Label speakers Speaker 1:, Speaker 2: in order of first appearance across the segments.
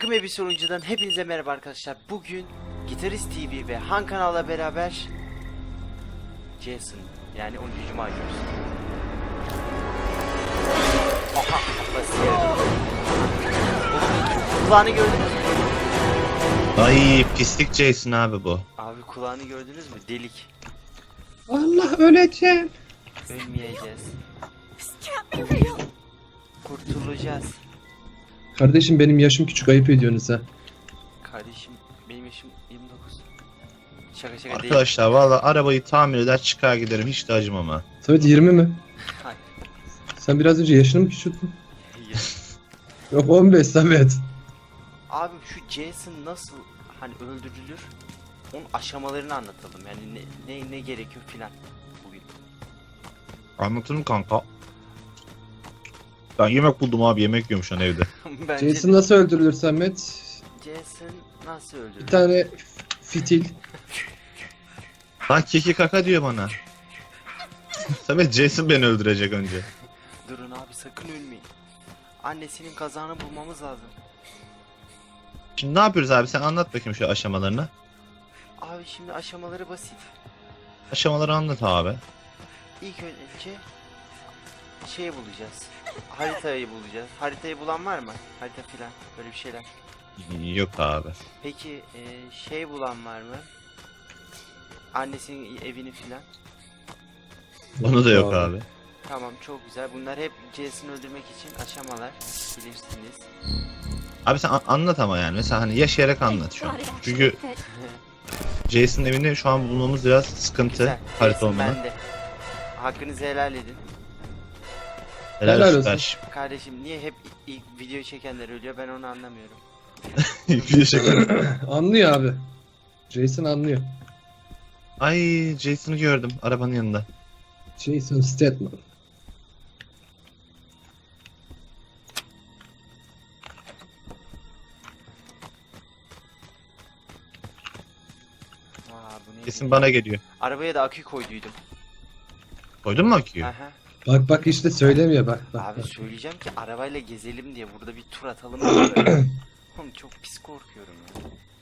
Speaker 1: Takım Elbise Oyuncu'dan hepinize merhaba arkadaşlar. Bugün Gitarist TV ve Han kanal'la beraber Jason yani 10. Cuma yapıyoruz. Aha, kulağını gördünüz mü?
Speaker 2: Ay pislik Jason abi bu.
Speaker 1: Abi kulağını gördünüz mü? Delik.
Speaker 3: Allah, öleceğim.
Speaker 1: Ölmeyeceğiz. Kurtulacağız.
Speaker 3: Kardeşim benim yaşım küçük, ayıp ediyorsunuz ha.
Speaker 1: Kardeşim benim yaşım 29. Şaka değil.
Speaker 2: Arkadaşlar valla arabayı tamir eder çıkar giderim hiç de acımam ha.
Speaker 3: Samet 20 mi?
Speaker 1: Hayır.
Speaker 3: Sen biraz önce yaşını mı küçülttün? Yok 15 Samet.
Speaker 1: Abi şu Jason nasıl hani öldürülür? Onun aşamalarını anlatalım. Yani ne gerekiyor filan bugün.
Speaker 2: Anlatırım kanka. Ben yemek buldum abi, yemek yiyorum şu an evde.
Speaker 1: Bence
Speaker 3: Jason nasıl öldürülür Samet?
Speaker 1: Jason nasıl öldürülür?
Speaker 3: Bir tane fitil.
Speaker 2: Lan keki kaka diyor bana. Samet Jason beni öldürecek önce.
Speaker 1: Durun abi, sakın ölmeyin. Annesinin kazağını bulmamız lazım.
Speaker 2: Şimdi ne yapıyoruz abi, sen anlat bakayım şu aşamalarını.
Speaker 1: Abi şimdi aşamaları basit.
Speaker 2: Aşamaları anlat abi.
Speaker 1: İlk önce şeyi bulacağız. Haritayı bulacağız. Haritayı bulan var mı? Harita filan böyle bir şeyler.
Speaker 2: Yok abi.
Speaker 1: Peki şey bulan var mı? Annesinin evini filan.
Speaker 2: Onu da yok abi.
Speaker 1: Tamam, çok güzel. Bunlar hep Jason'ı öldürmek için aşamalar. Bilirsiniz.
Speaker 2: Abi sen anlat ama yani mesela hani yaşayarak anlat şu an. Çünkü Jason'ın evini şu an bulmamız biraz sıkıntı.
Speaker 1: Güzel.
Speaker 2: Harita
Speaker 1: Jason
Speaker 2: olmadan.
Speaker 1: bende. Hakkınızı helal edin.
Speaker 2: Helal
Speaker 3: Helal
Speaker 2: olsun.
Speaker 3: olsun.
Speaker 1: Kardeşim niye hep ilk video çekenler ölüyor, ben onu anlamıyorum.
Speaker 2: Bir şaka.
Speaker 3: Anlıyor abi. Jason anlıyor.
Speaker 2: Ay Jason'ı gördüm arabanın yanında.
Speaker 3: Jason Statham.
Speaker 1: Bu ne?
Speaker 2: Kesin bana geliyor.
Speaker 1: Arabaya da akü koyduydum.
Speaker 2: Koydun mu aküyü?
Speaker 1: Aha.
Speaker 3: Bak işte söylemiyor bak.
Speaker 1: Abi söyleyeceğim ki arabayla gezelim diye, burada bir tur atalım diye. Oğlum çok pis korkuyorum ya.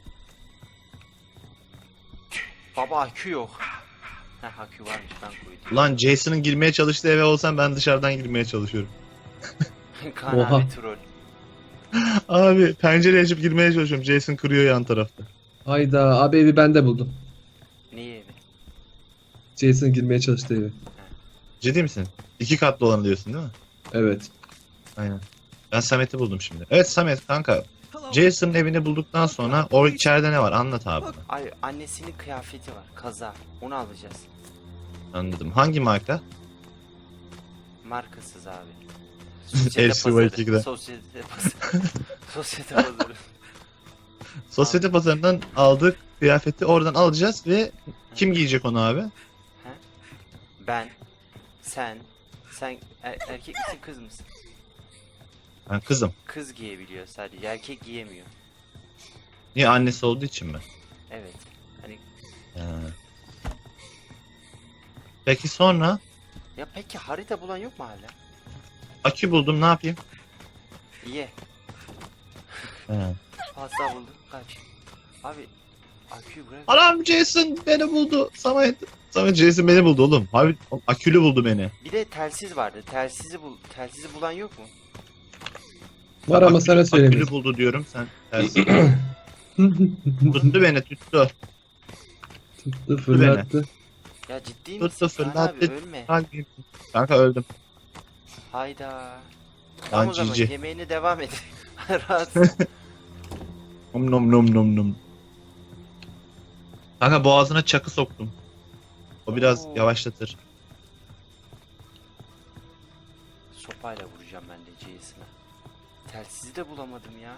Speaker 1: Baba akü yok. Heh, akü varmış, ben koydum.
Speaker 2: Lan Jason'ın girmeye çalıştığı eve olsam ben dışarıdan girmeye çalışıyorum.
Speaker 1: Kaan
Speaker 3: Oha.
Speaker 1: abi troll.
Speaker 2: Abi pencere açıp girmeye çalışıyorum. Jason kırıyor yan tarafta.
Speaker 3: Hayda abi, evi ben de buldum.
Speaker 1: Neyi evi?
Speaker 3: Jason girmeye çalıştığı evi.
Speaker 2: Ciddi misin? 2 katlı olanı diyorsun değil mi?
Speaker 3: Evet.
Speaker 2: Aynen. Ben Samet'i buldum şimdi. Evet Samet kanka. Jason'ın evini bulduktan sonra o içeride ne var? Anlat abi. bana.
Speaker 1: Ay, annesinin kıyafeti var, kaza. Onu alacağız.
Speaker 2: Anladım. Hangi marka?
Speaker 1: Markasız abi.
Speaker 2: LCY2'de.
Speaker 1: Sosyete pazarı. Sosyete pazarı.
Speaker 2: Sosyete pazarından aldık kıyafeti, oradan alacağız ve kim giyecek onu abi?
Speaker 1: Ben. Sen erkek misin, kız mısın?
Speaker 2: Ben kızım.
Speaker 1: Kız giyebiliyor sadece, erkek giyemiyor.
Speaker 2: Niye, annesi olduğu için mi?
Speaker 1: Evet. Hani
Speaker 2: Ha. Peki sonra
Speaker 1: ya peki harita bulan yok mu hala?
Speaker 2: akü buldum, ne yapayım?
Speaker 1: Ye.
Speaker 2: Ha.
Speaker 1: Fazla buldum. Kaç. Abi aküyü bırak.
Speaker 2: Anam Jason beni buldu. Samet Jason beni buldu oğlum. Abi akülü buldu beni.
Speaker 1: Bir de telsiz vardı. Telsizi bulan yok mu?
Speaker 3: Var ama sana söylemiyorum.
Speaker 2: Akülü buldu diyorum, sen tersi. Tuttu beni, tuttu.
Speaker 3: Tuttu fırlattı.
Speaker 1: Ya ciddi
Speaker 2: Tuttu,
Speaker 1: misin? Kaan abi
Speaker 2: fırlattı.
Speaker 1: ölme.
Speaker 2: Kanka öldüm.
Speaker 1: Hayda. Tamam o zaman
Speaker 2: cici.
Speaker 1: yemeğine devam et. Rahat.
Speaker 2: Nom nom nom nom nom. Kanka boğazına çakı soktum. O biraz
Speaker 1: Oo.
Speaker 2: yavaşlatır.
Speaker 1: Sopayla vuracağım ben de Jason'a. Telsizi de bulamadım ya.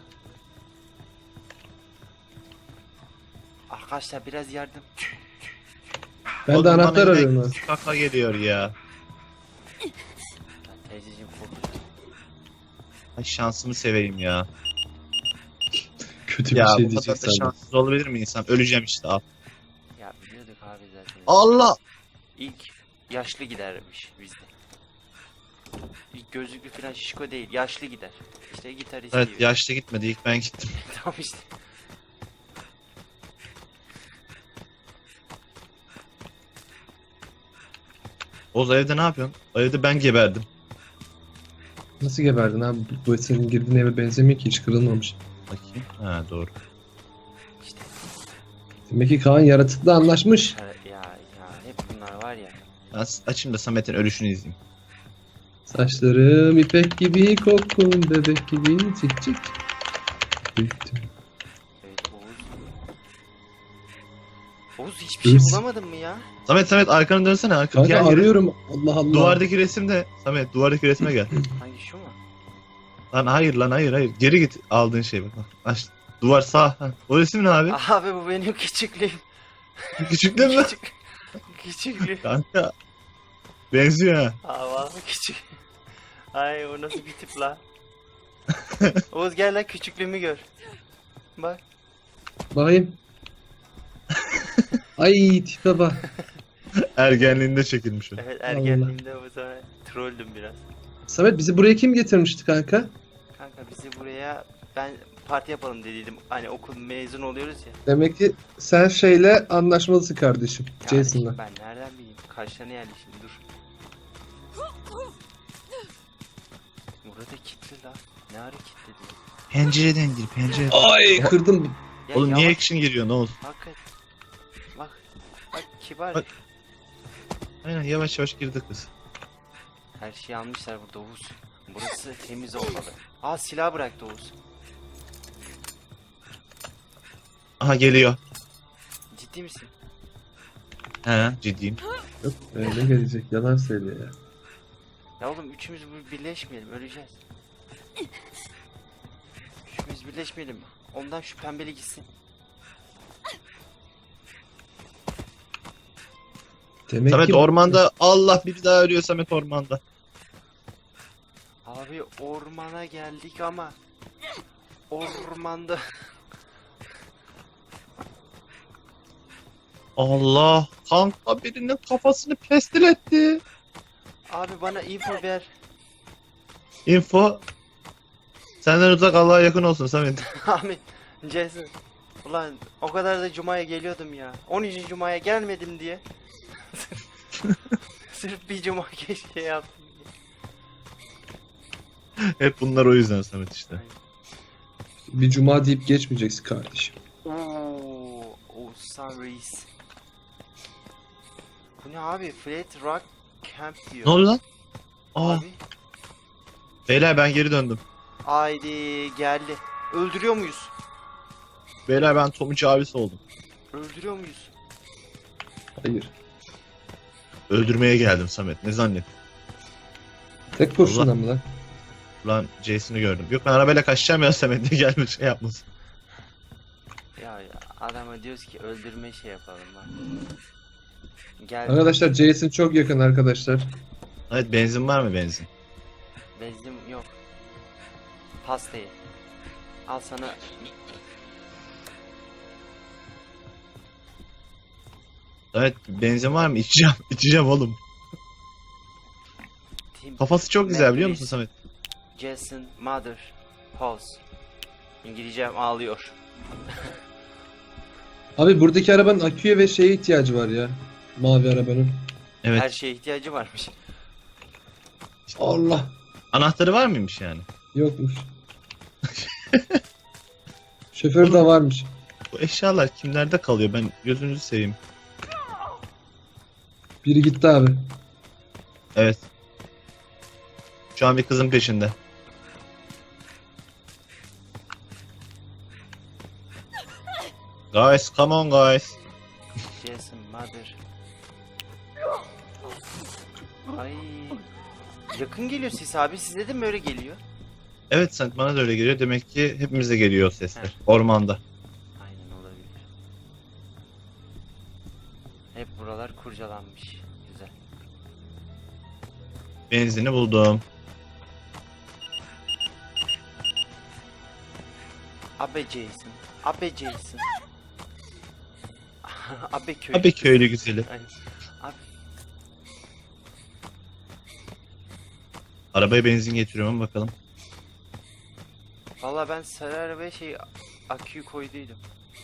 Speaker 1: Arkadaşlar biraz yardım.
Speaker 3: Ben de
Speaker 2: Oğlum,
Speaker 3: anahtar
Speaker 2: bana
Speaker 3: arıyorum
Speaker 2: yine
Speaker 3: ha.
Speaker 2: Kaka geliyor ya.
Speaker 1: Ya teyzeciğim korktum.
Speaker 2: Ay şansımı seveyim ya.
Speaker 3: Kötü bir
Speaker 2: Ya
Speaker 3: şey
Speaker 2: bu kadar
Speaker 3: diyecek
Speaker 2: da
Speaker 3: sandım.
Speaker 2: şanssız olabilir mi insan? Öleceğim işte al.
Speaker 1: Ya biliyorduk abi zaten.
Speaker 2: Allah!
Speaker 1: İlk yaşlı gidermiş bizde. gözlüklü falan şişko değil. Yaşlı gider. İşte gitarist
Speaker 2: Evet
Speaker 1: gibi.
Speaker 2: yaşlı gitmedi ilk ben gittim.
Speaker 1: Tamam işte.
Speaker 2: Oğuz evde ne yapıyorsun? O evde ben geberdim.
Speaker 3: Nasıl geberdin abi? Bu senin girdiğin eve benzemiyor ki, hiç kırılmamış.
Speaker 2: Bakayım. Ha doğru.
Speaker 1: İşte
Speaker 3: Demek ki Kaan yaratıkla anlaşmış.
Speaker 1: ya hep bunlar var ya.
Speaker 2: Ben açayım da Samet'in ölüşünü izleyeyim.
Speaker 3: Saçlarım ipek gibi, kokun bebek gibi, cik cik. Büyüktüm.
Speaker 1: Evet Oğuz. Oğuz hiçbir şey
Speaker 3: Biz-
Speaker 1: bulamadın mı ya?
Speaker 2: Samet arkanı dönsene.
Speaker 3: Kanka
Speaker 2: Gel, gel.
Speaker 3: arıyorum. Allah Allah.
Speaker 2: Duvardaki resimde. Samet duvardaki resme gel.
Speaker 1: Hangi şu mu?
Speaker 2: Lan hayır. Geri git aldığın şey bak. Aç. Duvar sağ. Ha. O resim ne abi?
Speaker 1: Abi bu benim küçüklüğüm.
Speaker 2: Küçük değil mi?
Speaker 1: Küçüklüğüm.
Speaker 2: Kanka. Benziyor ha.
Speaker 1: Aa vallahi küçük. Ay o nasıl bir tip la? Oğuz gel lan küçüklüğümü gör. Bak.
Speaker 3: Bakayım. Ay tipe bak.
Speaker 2: Ergenliğinde çekilmiş o.
Speaker 1: Evet ergenliğimde o zaman trolldüm biraz.
Speaker 3: Samet bizi buraya kim getirmişti kanka?
Speaker 1: Kanka bizi buraya ben parti yapalım dediydim. Hani okul mezun oluyoruz ya.
Speaker 3: Demek ki sen şeyle anlaşmalısın kardeşim.
Speaker 1: Kardeşim,
Speaker 3: Jason'la.
Speaker 1: ben nereden bileyim? Kaşlarına yerleşim dur. Burada kilitli la. Ne ara kilitledi?
Speaker 2: Pencereden gir pencereden.
Speaker 3: Ay kırdım.
Speaker 1: Ya
Speaker 2: Oğlum niye
Speaker 1: yavaş-
Speaker 2: action giriyor ne oldu?
Speaker 1: Hakikaten. Bak. Bak kibar.
Speaker 2: Bak. Aynen yavaş yavaş girdi kız.
Speaker 1: Her şeyi almışlar burada Oğuz. Burası temiz olmalı. Aa silah bıraktı Oğuz.
Speaker 2: Aha geliyor.
Speaker 1: Ciddi misin?
Speaker 2: He ciddiyim.
Speaker 3: Yok öyle gelecek, yalan söylüyor ya.
Speaker 1: Ya oğlum üçümüz birleşmeyelim öleceğiz. Üçümüz birleşmeyelim. Ondan şu pembeli gitsin.
Speaker 3: Demek
Speaker 2: Samet
Speaker 3: ki
Speaker 2: ormanda. Allah bir daha ölüyor Samet ormanda.
Speaker 1: Abi ormana geldik ama ormanda
Speaker 2: Allah kanka birinin kafasını pestil etti.
Speaker 1: abi bana info ver.
Speaker 2: Info. Senden uzak Allah'a yakın olsun Samet.
Speaker 1: Amin. Jason. Ulan o kadar da cumaya geliyordum ya. 13. cumaya gelmedim diye. Sırf bir cuma keşke yaptım diye.
Speaker 2: Hep bunlar o yüzden Samet işte.
Speaker 3: bir cuma deyip geçmeyeceksin kardeşim.
Speaker 1: Oo, Oğuzhan Reis. Bu ne abi? Flat Rock Camp diyor.
Speaker 2: Ne oldu lan? Aa,
Speaker 1: Abi.
Speaker 2: beyler ben geri döndüm.
Speaker 1: Haydi geldi. Öldürüyor muyuz?
Speaker 2: Beyler ben Tomucu abisi oldum.
Speaker 1: Öldürüyor muyuz?
Speaker 3: Hayır.
Speaker 2: Öldürmeye geldim Samet. Ne zannet?
Speaker 3: Tek kurşunla mı lan?
Speaker 2: Ulan Jason'ı gördüm. Yok ben arabayla kaçacağım ya Samet diye gelmiş şey yapmasın.
Speaker 1: Ya adama diyoruz ki öldürme şey yapalım bak. Gel.
Speaker 3: Arkadaşlar Jason çok yakın arkadaşlar.
Speaker 2: Evet benzin var mı benzin?
Speaker 1: Bezdim yok. Pastayı. Al sana.
Speaker 2: Evet benzin var mı? İçeceğim. İçeceğim oğlum.
Speaker 1: Tim
Speaker 2: Kafası çok güzel biliyor musun
Speaker 1: Mercury,
Speaker 2: Samet?
Speaker 1: Jason Mother Pulse. İngilizcem ağlıyor.
Speaker 3: Abi buradaki arabanın aküye ve şeye ihtiyacı var ya. Mavi arabanın.
Speaker 2: Evet.
Speaker 1: Her şeye ihtiyacı varmış.
Speaker 3: Allah.
Speaker 2: Anahtarı var mıymış yani?
Speaker 3: Yokmuş. Şoför de varmış.
Speaker 2: Bu eşyalar kimlerde kalıyor? Ben gözünüzü seveyim.
Speaker 3: Biri gitti abi.
Speaker 2: Evet. Şu an bir kızın peşinde. Guys, come on guys.
Speaker 1: Jason Mother. Ay. Yakın geliyor ses abi. Size de mi öyle geliyor?
Speaker 2: Evet sen bana da öyle geliyor. Demek ki hepimize geliyor o sesler. Ormanda.
Speaker 1: Aynen olabilir. Hep buralar kurcalanmış. Güzel.
Speaker 2: Benzini buldum.
Speaker 1: Abe Jason. Abe Jason. Abe köy.
Speaker 2: Abi köylü güzeli.
Speaker 1: Aynen. Abi
Speaker 2: Arabaya benzin getiriyorum bakalım.
Speaker 1: Valla ben sarı arabaya aküyü koyduydum.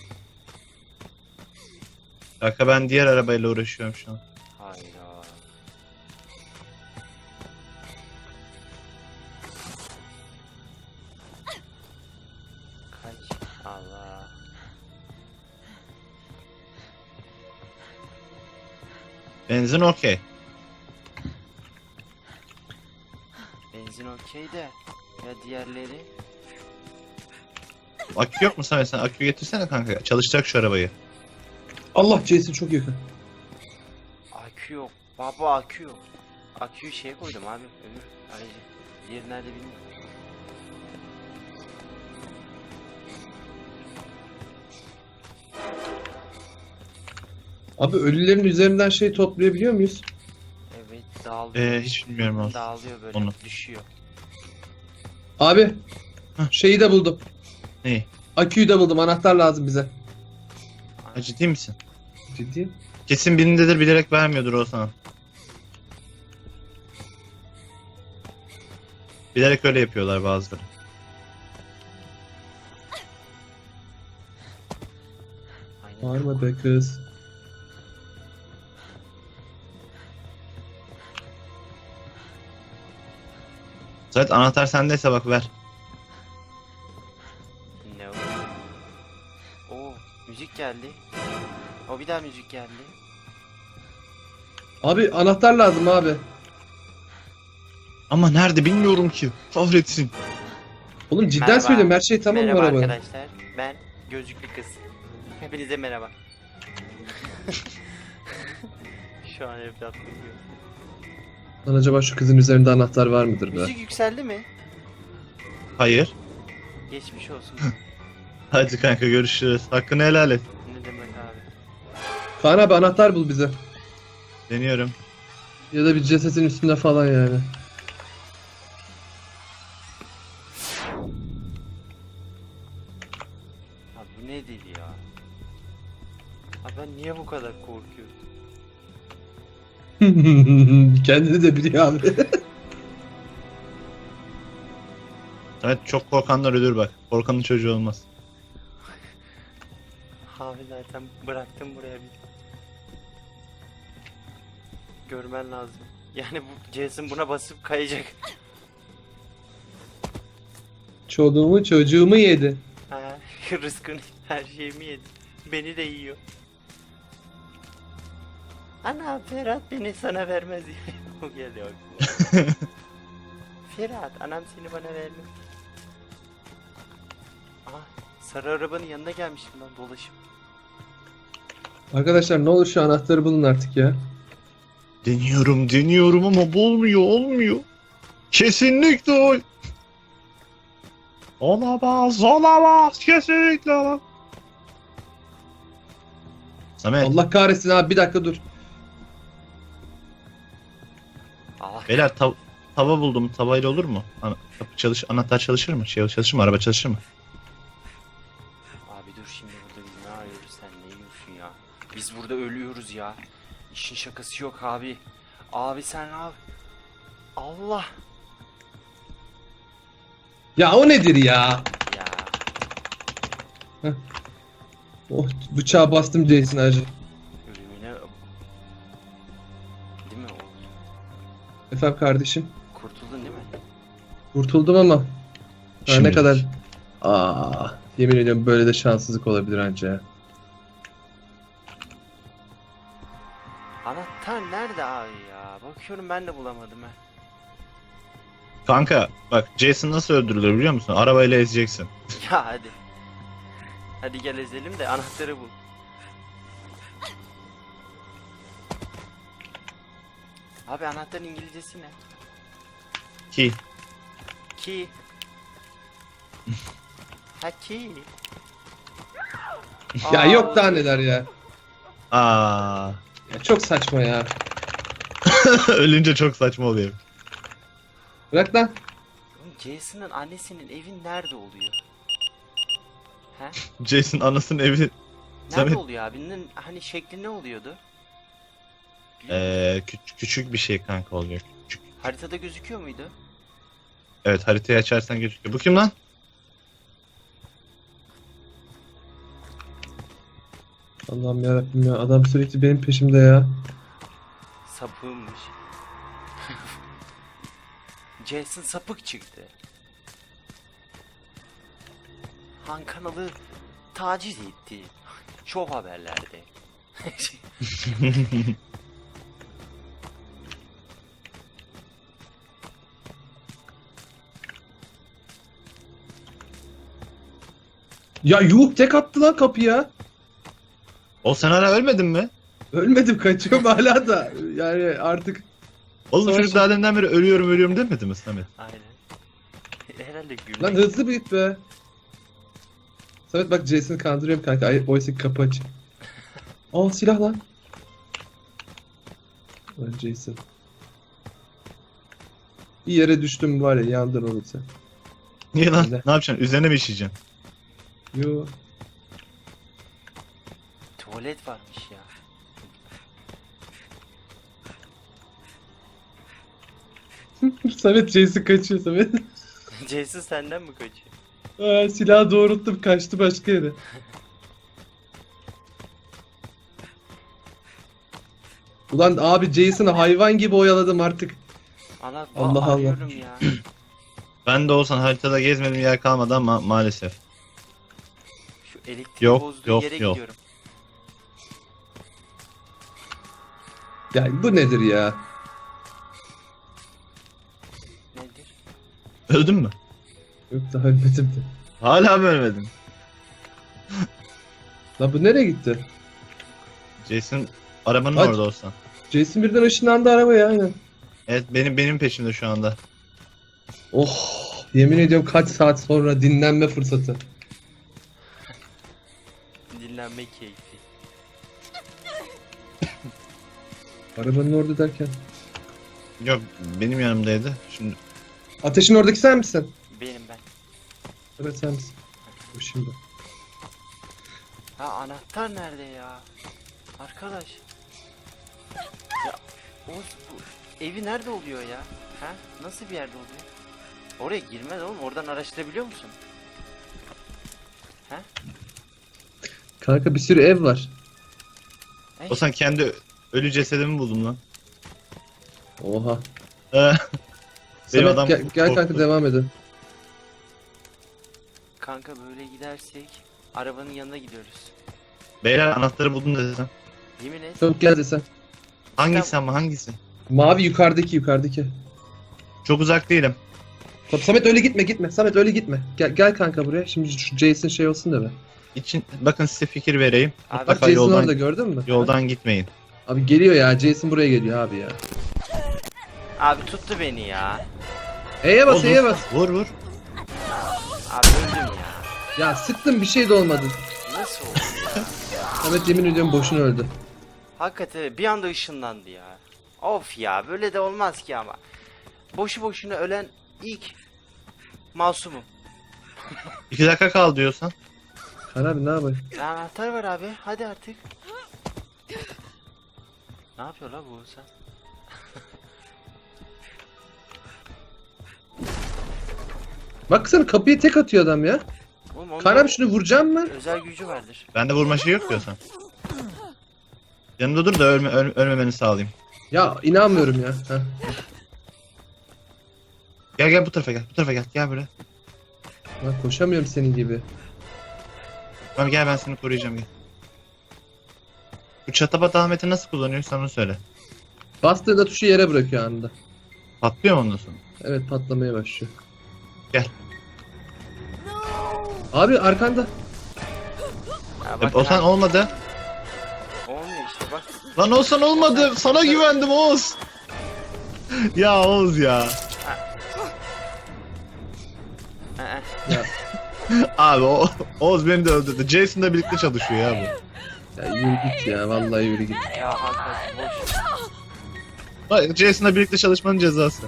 Speaker 2: Kanka ben diğer arabayla uğraşıyorum şu an.
Speaker 1: Hayda. Kaç. Allah.
Speaker 2: Benzin okey.
Speaker 1: Benzin okey de. Ya diğerleri?
Speaker 2: Akü yok mu Samet? Sen akü getirsene kanka. Çalışacak şu arabayı.
Speaker 3: Allah, Jason çok yakın.
Speaker 1: Akü yok. Baba akü yok. Aküyü şeye koydum abi. Öbür aracı. Diğeri nerede bilmiyorum.
Speaker 3: Abi ölülerin üzerinden şey toplayabiliyor muyuz?
Speaker 1: Evet dağılıyor.
Speaker 2: Hiç bilmiyorum aslında.
Speaker 1: Dağılıyor böyle.
Speaker 2: Onu.
Speaker 1: Düşüyor.
Speaker 3: Abi şeyi de buldum.
Speaker 2: Neyi?
Speaker 3: Aküyü de buldum. Anahtar lazım bize.
Speaker 2: Ha, ciddi misin?
Speaker 3: Ciddiyim.
Speaker 2: Kesin birindedir, bilerek vermiyordur o sana. Bilerek öyle yapıyorlar bazıları.
Speaker 1: Aynen.
Speaker 3: Bağırma be kız.
Speaker 2: Zaten anahtar sendeyse bak ver.
Speaker 1: Ne o? Oo, müzik geldi. O bir daha müzik geldi.
Speaker 3: Abi anahtar lazım abi.
Speaker 2: Ama nerede bilmiyorum ki. Kahretsin.
Speaker 3: Oğlum cidden
Speaker 1: Merhaba.
Speaker 3: söylüyorum, her şey tamam mı
Speaker 1: Merhaba
Speaker 3: arabada?
Speaker 1: arkadaşlar. Ben gözlüklü kız. Hepinize merhaba. Şu an evlatlık yok.
Speaker 3: Lan acaba şu kızın üzerinde anahtar var mıdır be?
Speaker 1: Müzik yükseldi mi?
Speaker 2: Hayır.
Speaker 1: Geçmiş olsun.
Speaker 2: Hadi kanka görüşürüz. Hakkını helal et.
Speaker 1: Ne demek abi?
Speaker 3: Kaan abi anahtar bul bize.
Speaker 2: Deniyorum.
Speaker 3: Ya da bir cesetin üstünde falan yani.
Speaker 1: Abi bu ne deli ya? Abi ben niye bu kadar korkuyorum?
Speaker 3: Kendini de biliyor abi.
Speaker 2: Evet, çok korkanlar ölür bak. Korkanın çocuğu olmaz.
Speaker 1: Abi zaten bıraktım buraya bir. Görmen lazım. Yani bu Jason buna basıp kayacak.
Speaker 3: Çocuğumu çocuğumu yedi.
Speaker 1: Ha, rızkını her şeyimi yedi. Beni de yiyor. Ana Ferhat beni sana vermez diye. O geliyor aklıma. Ferhat anam seni bana vermez. Aha sarı arabanın yanına gelmişim ben dolaşıp.
Speaker 3: Arkadaşlar ne olur şu anahtarı bulun artık ya.
Speaker 2: Deniyorum ama olmuyor. Kesinlikle olamaz, kesinlikle olamaz. Samet,
Speaker 3: Allah kahretsin abi, bir dakika dur.
Speaker 1: Allah
Speaker 2: beyler tava buldum. Tavayla olur mu? Kapı anahtar çalışır mı? Çalışır mı? Araba çalışır mı?
Speaker 1: abi dur şimdi burada biz ne arıyoruz sen ne yiyorsun ya? Biz burada ölüyoruz ya. İşin şakası yok abi. Abi sen abi. Allah.
Speaker 3: Ya o nedir ya?
Speaker 1: Ya
Speaker 3: Oh, bıçağı bastım Jason acı.
Speaker 1: ölümüne. Değil mi o?
Speaker 3: Efendim kardeşim.
Speaker 1: Kurtuldun değil mi?
Speaker 3: Kurtuldum ama. Daha ne
Speaker 2: Şimdilik.
Speaker 3: kadar... Yemin ediyorum böyle de şanssızlık olabilir anca ya.
Speaker 1: Anahtar nerede abi ya? Bakıyorum ben de bulamadım ha.
Speaker 2: Kanka bak, Jason nasıl öldürülür biliyor musun? Arabayla ezeceksin.
Speaker 1: Ya hadi. Hadi gel ezelim de anahtarı bul. Abi anahtarın İngilizcesi ne?
Speaker 2: Ki
Speaker 1: Key. Ha key.
Speaker 3: Ya yok daha neler ya.
Speaker 2: aa
Speaker 3: Ya çok saçma ya.
Speaker 2: ölünce çok saçma oluyor.
Speaker 3: Bırak lan.
Speaker 1: Oğlum Jason'ın annesinin evi nerede oluyor? He?
Speaker 2: Jason anasının evi.
Speaker 1: Nerede
Speaker 2: Samet.
Speaker 1: oluyor abinin hani şekli ne oluyordu?
Speaker 2: Küçük bir şey kanka oluyor. Küçük.
Speaker 1: Haritada gözüküyor muydu?
Speaker 2: Evet, haritayı açarsan gözüküyor. Bu kim lan?
Speaker 3: Allah'ım yarabbim ya. Adam sürekli benim peşimde ya.
Speaker 1: Sapığımmış. Jason sapık çıktı. Han kanalı taciz etti. Şov haberlerde.
Speaker 3: Ya yuh, tek attı lan kapıya.
Speaker 2: O sen hala ölmedin mi?
Speaker 3: Ölmedim, kaçıyorum hala da. Yani artık
Speaker 2: Oğlum
Speaker 3: Savaş-
Speaker 2: çocuk daha deminden beri ölüyorum demedi mi Samet?
Speaker 1: Aynen. Herhalde gülmek.
Speaker 3: lan hızlı bir git be. Samet bak, Jason'ı kandırıyorum kanka. Ay, oysa ki kapı açık. Aa, silah lan. Lan Jason. Bir yere düştüm var ya, yandın oğlum sen.
Speaker 2: Niye lan?
Speaker 3: Güzel.
Speaker 2: Ne yapacaksın? Üzerine mi işeyeceksin?
Speaker 3: Yo.
Speaker 1: Tuvalet varmış ya.
Speaker 3: Samet, Jason kaçıyor Samet.
Speaker 1: Jason senden mi kaçıyor?
Speaker 3: Aa, silahı doğrulttum, kaçtı başka yere. Ulan abi, Jason'ı hayvan gibi oyaladım artık.
Speaker 1: Allah
Speaker 3: Allah Allah.
Speaker 1: arıyorum ya.
Speaker 2: Ben de olsan haritada gezmedim yer kalmadı ama maalesef.
Speaker 1: Şu elektrik
Speaker 2: Yok,
Speaker 1: bozduğu
Speaker 2: yok,
Speaker 1: yere
Speaker 2: yok.
Speaker 1: gidiyorum.
Speaker 3: Ya bu nedir ya?
Speaker 1: Nedir?
Speaker 2: Öldün mü?
Speaker 3: Yok, daha ölmedim de.
Speaker 2: Hala mı ölmedin?
Speaker 3: Lan bu nereye gitti?
Speaker 2: Jason arabanın
Speaker 3: Aç.
Speaker 2: orada olsan.
Speaker 3: Jason birden ışınlandı arabaya, aynen.
Speaker 2: Evet, benim peşimde şu anda.
Speaker 3: Oh, yemin ediyorum kaç saat sonra dinlenme fırsatı.
Speaker 1: Dinlenme keyfi.
Speaker 3: Arabanın orada derken.
Speaker 2: Yok, benim yanımdaydı. Şimdi
Speaker 3: Ateşin oradaki sen misin?
Speaker 1: Benim ben.
Speaker 3: Evet, sen misin. Bu şimdi.
Speaker 1: Ha, anahtar nerede ya? Arkadaş. Ya Oğuz, bu evi nerede oluyor ya? Ha? Nasıl bir yerde oluyor? Oraya girmez oğlum. Oradan araştırabiliyor musun? Ha?
Speaker 3: Kanka bir sürü ev var.
Speaker 2: o sen kendi ölü cesedimi buldum lan.
Speaker 3: Oha.
Speaker 2: Benim
Speaker 3: Samet,
Speaker 2: adam
Speaker 3: gel kanka,
Speaker 2: korktu.
Speaker 3: devam edin.
Speaker 1: Kanka böyle gidersek arabanın yanına gidiyoruz.
Speaker 2: Beyler anahtarı buldum desem.
Speaker 1: Yemin et.
Speaker 3: Çabuk gel desen.
Speaker 2: Hangisi ama hangisi?
Speaker 3: Mavi yukarıdaki.
Speaker 2: Çok uzak değilim.
Speaker 3: Tabii, Samet öyle gitme. Samet öyle gitme. Gel kanka buraya. Şimdi şu Jason şey olsun da be.
Speaker 2: Bakın size fikir vereyim.
Speaker 1: Abi,
Speaker 3: Bak
Speaker 2: Mutlaka
Speaker 3: Jason
Speaker 2: yoldan,
Speaker 3: orada, gördün mü?
Speaker 2: yoldan gitmeyin.
Speaker 3: Abi geliyor ya. Jason buraya geliyor abi ya.
Speaker 1: Abi tuttu beni ya.
Speaker 3: E'ye bas,
Speaker 2: Oğlum,
Speaker 3: E'ye bas.
Speaker 2: Vur.
Speaker 1: Abi öldüm ya.
Speaker 3: Ya sıktım, bir şey de olmadı.
Speaker 1: Nasıl oldu ya?
Speaker 3: Samet yemin ediyorum boşuna öldü.
Speaker 1: Hakikaten bir anda ışınlandı ya. Of ya, böyle de olmaz ki ama. Boşu boşuna ölen ilk masumum.
Speaker 2: 2 dakika kal diyorsan.
Speaker 3: Kan abi ne yapayım?
Speaker 1: Anahtar var abi, hadi artık. Ne yapıyor la bu sen?
Speaker 3: Bak sana, kapıyı tek atıyor adam ya.
Speaker 1: Oğlum, onun
Speaker 3: Kan
Speaker 1: da
Speaker 3: abi şunu vuracağım mı?
Speaker 1: özel gücü vardır.
Speaker 2: Bende vurma şey yok diyorsan. Yanında dur da ölmemeni sağlayayım.
Speaker 3: Ya inanmıyorum ya. Heh.
Speaker 2: Gel bu tarafa gel. Gel buraya.
Speaker 3: Lan koşamıyorum senin gibi.
Speaker 2: Tamam gel, ben seni koruyacağım, gel. Bu çatapat Ahmet'i nasıl kullanıyorsan onu söyle.
Speaker 3: Bastığında tuşu yere bırakıyor anında.
Speaker 2: Patlıyor mu ondan sonra?
Speaker 3: Evet, patlamaya başlıyor.
Speaker 2: Gel.
Speaker 3: Abi arkanda.
Speaker 1: Ya
Speaker 2: O
Speaker 1: bakın
Speaker 2: sen
Speaker 1: abi,
Speaker 2: olmadı.
Speaker 1: olmuyor işte bak.
Speaker 2: Lan olsan olmadı. Sana güvendim Oğuz. Ya Oğuz ya.
Speaker 1: Ee,
Speaker 3: Ya,
Speaker 2: Abi Oğuz beni de öldürdü. Jason'la birlikte çalışıyor ya bu.
Speaker 3: ya yürü git ya, vallahi yürü git.
Speaker 1: ya hakikaten boş.
Speaker 2: Bak, Jason'la birlikte çalışmanın cezası.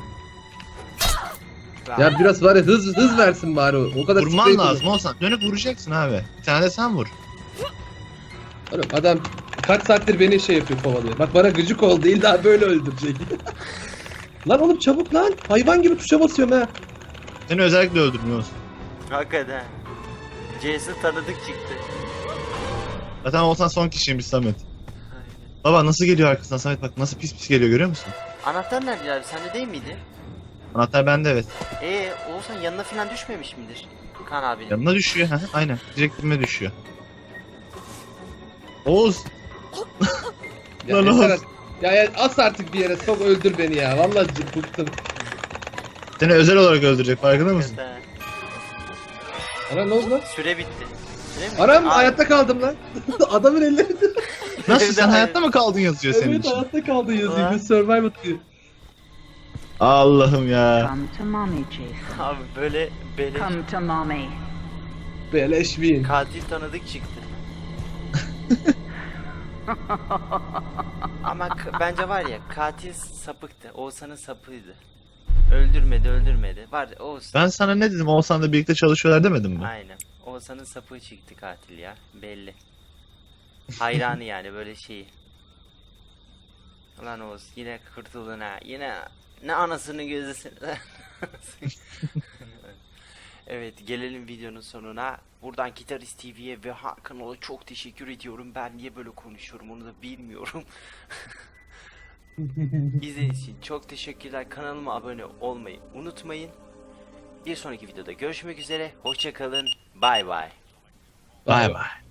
Speaker 3: Ya biraz var ya, hız versin bari o. O kadar
Speaker 2: Vurman
Speaker 3: sprey
Speaker 2: lazım olsan. Dönüp vuracaksın abi. Bir tane de sen vur.
Speaker 3: kullan. Oğlum adam kaç saattir beni şey yapıyor, kovalıyor. Bak bana gıcık oldu, illa böyle öldürecek. Lan oğlum çabuk lan. Hayvan gibi tuşa basıyorum ha.
Speaker 2: Seni özellikle öldürdüm Oğuz.
Speaker 1: Hakikaten. Jason tanıdık çıktı.
Speaker 2: Zaten Oğuzhan son kişiymiş Samet.
Speaker 1: Aynen.
Speaker 2: Baba nasıl geliyor arkasından Samet, bak nasıl pis pis geliyor, görüyor musun?
Speaker 1: Anahtar nerede abi? Sende değil miydi?
Speaker 2: Anahtar bende, evet.
Speaker 1: Oğuzhan yanına falan düşmemiş midir? Kaan abinin.
Speaker 2: Yanına düşüyor. Hı hı, aynen. Direkt dibime düşüyor. Oğuz.
Speaker 3: Ya
Speaker 2: Lan
Speaker 3: yeter
Speaker 2: oğlum.
Speaker 3: artık. Ya as artık bir yere sok, öldür beni ya. Vallahi bıktım.
Speaker 2: Seni özel olarak öldürecek, farkında mısın?
Speaker 1: Hakikaten.
Speaker 3: Ana ne oldu lan?
Speaker 1: Süre bitti. Süre mi?
Speaker 3: Anam
Speaker 1: Abi,
Speaker 3: hayatta kaldım lan. Adamın ellerinde.
Speaker 2: Nasıl, sen
Speaker 1: Evet.
Speaker 2: hayatta mı kaldın yazıyor senin
Speaker 3: Evet
Speaker 2: için?
Speaker 3: hayatta kaldı yazıyor.
Speaker 1: Lan.
Speaker 3: Bir survival diyor.
Speaker 2: Allah'ım ya.
Speaker 4: Come to mommy, Jason.
Speaker 1: Abi böyle beleş
Speaker 4: Come to mommy.
Speaker 3: Beleş win.
Speaker 1: katil tanıdık çıktı. Ama bence var ya, katil sapıktı. Oğuzhan'ın sapıydı. Öldürmedi. Var Oğuz.
Speaker 2: Ben sana ne dedim, Oğuzhan'la birlikte çalışıyorlar demedim mi?
Speaker 1: Aynen. Oğuzhan'ın sapığı çıktı katil ya. Belli. Hayranı yani böyle şeyi. Ulan Oğuz yine kurtuldun ha. Yine ne anasını gözüsün. Evet, gelelim videonun sonuna. Buradan Gitarist TV'ye ve Hakan'a çok teşekkür ediyorum. Ben niye böyle konuşuyorum onu da bilmiyorum. İzlediğiniz için çok teşekkürler. Kanalıma abone olmayı unutmayın. Bir sonraki videoda görüşmek üzere. Hoşça kalın. Bay bay.
Speaker 2: Bay bay.